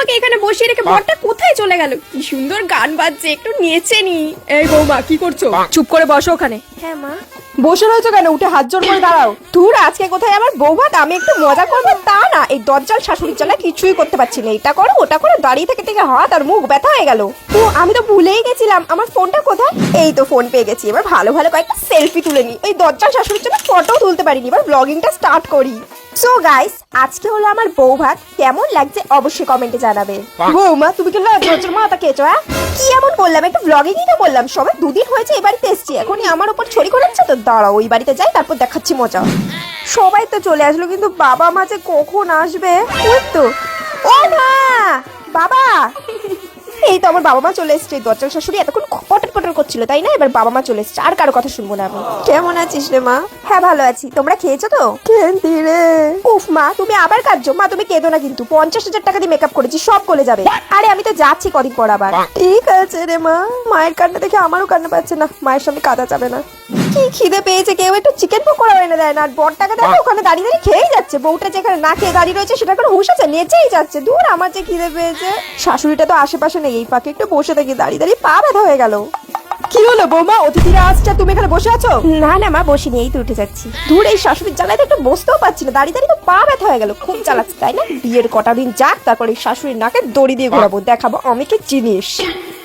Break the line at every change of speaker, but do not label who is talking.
আমাকে এখানে বসিয়ে রেখে বরটা কোথায় চলে গেল? কি সুন্দর গান বাজছে, একটু নেচে নি।
এই বৌমা কি করছো? চুপ করে বসো ওখানে।
হ্যাঁ মা।
বসে রয়েছো কেন? উঠে হাত জোড় করে দাঁড়াও।
তোর আজকে কোথায় আমার বউ ভাত, আমি একটু মজা করবো তা না, এই দজ্জাল শাশুড়ির জ্বালা কিছুই করতে পারছি না। এটা করো ওটা করো, দাঁড়িয়ে থেকে থেকে হাত আর মুখ ব্যথা হয়ে গেল। ও আমি তো ভুলেই গেছিলাম আমার ফোনটা কোথায়। এই তো ফোন পেয়ে গেছি, এবার ভালো ভালো কয়েকটা সেলফি তুলে নি। এই দজ্জাল শাশুড়ির জন্য ফটো তুলতে পারিনি, এবার ব্লগিংটা স্টার্ট করি। সো গাইস, আজকে হলো আমার বউ ভাত, কেমন লাগছে অবশ্যই কমেন্টে জানাবে। বৌমা তুমি কি লজ্জার মাথা খেয়েছো? হ্যাঁ কি এমন বললাম, একটু ব্লগিংই তো বললাম। সবাই দুদিন হয়েছে এই বাড়িতে এসছি, এখনই আমার উপর ছড়ি করাচ্ছে তো। দাঁড়াও ওই বাড়িতে যাই, তারপর দেখাচ্ছি মজা। সবাই তো চলে আসলো, কিন্তু বাবা মা যে কখন আসবে। ওই তো, ও মা, বাবা। এই তো আমার বাবা মা চলে এসছে। দজ্জাল শাশুড়ি এতক্ষণ পটর পটর করছিল তাই না, এবার বাবা মা চলে এসছে, আর কারো কথা শুনবো না আমি। কেমন আছিস রে মা? হ্যাঁ ভালো আছি, তোমরা খেয়েছো তো? কেন্তি রে। উফ মা তুমি আবার কাঁদছো? মা তুমি কেঁদো না কিন্তু, 50,000 টাকা দিয়ে মেকআপ করেছি, সব গলে যাবে। আরে আমি তো যাচ্ছি কদিন পর আবার। ঠিক আছে রে মা। মায়ের কান্না দেখে আমারও কান্না পাচ্ছে না, মায়ের সামনে কাঁদা যাবে না। কি খিদে পেয়েছে, কেউ একটু চিকেন পকোড়া এনে দেয় না। আর বরটাকে দেখো ওখানে দাঁড়িয়ে দাঁড়িয়ে খেয়েই যাচ্ছে। বউটা যেখানে না খেয়ে দাঁড়িয়ে রয়েছে সেটা কোনো হুঁশ আছে? নেচেই যাচ্ছে। দূর, আমার যে খিদে পেয়েছে। শাশুড়িটা তো আশেপাশে নেই, এই ফাঁকে একটু বসে থাকি, দাঁড়িয়ে দাঁড়িয়ে পা ব্যথা হয়ে গেল।
কি হলো বৌমা, অতিথিরা আসছে তুমি এখানে বসে আছো?
না না মা, বসিনি, এই তো উঠে যাচ্ছি। দূর, এই শাশুড়ির জ্বালায় তো একটু বসতেও পারছি না, দাঁড়িয়ে দাঁড়িয়ে তো পা ব্যথা হয়ে গেল। খুব জ্বালাচ্ছে তাই না? বিয়ের কটা দিন যাক, তারপর এই শাশুড়ির নাকে দড়ি দিয়ে ঘোরাবো, দেখাবো আমি কি জিনিস।